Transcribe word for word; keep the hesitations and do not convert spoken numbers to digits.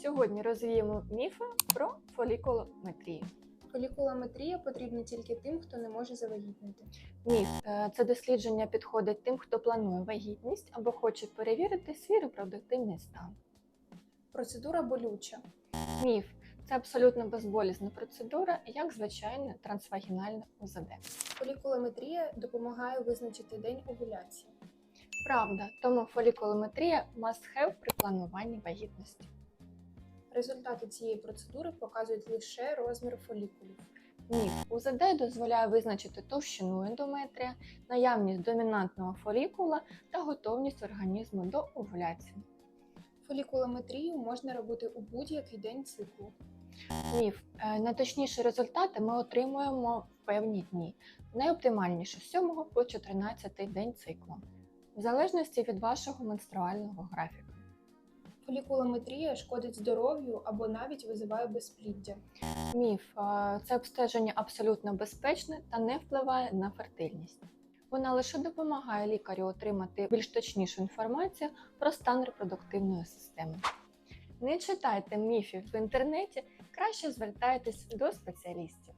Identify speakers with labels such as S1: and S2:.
S1: Сьогодні розвіємо міфи про фолікулометрію.
S2: Фолікулометрія потрібна тільки тим, хто не може завагітнити.
S1: Міф е, – це дослідження підходить тим, хто планує вагітність або хоче перевірити свій репродуктивний стан.
S2: Процедура болюча.
S1: Міф – це абсолютно безболісна процедура, як звичайне трансвагінальне У З Д.
S2: Фолікулометрія допомагає визначити день овуляції.
S1: Правда, тому фолікулометрія must have при плануванні вагітності.
S2: Результати цієї процедури показують лише розмір фолікулів.
S1: Міф – У З Д дозволяє визначити товщину ендометрія, наявність домінантного фолікула та готовність організму до овуляції.
S2: Фолікулометрію можна робити у будь-який день циклу.
S1: Міф – найточніші результати ми отримуємо в певні дні, найоптимальніше з сьомого по чотирнадцятий день циклу, в залежності від вашого менструального графіка.
S2: Фолікулометрія шкодить здоров'ю або навіть визиває безпліддя.
S1: Міф – це обстеження абсолютно безпечне та не впливає на фертильність. Вона лише допомагає лікарю отримати більш точнішу інформацію про стан репродуктивної системи. Не читайте міфів в інтернеті, краще звертайтесь до спеціалістів.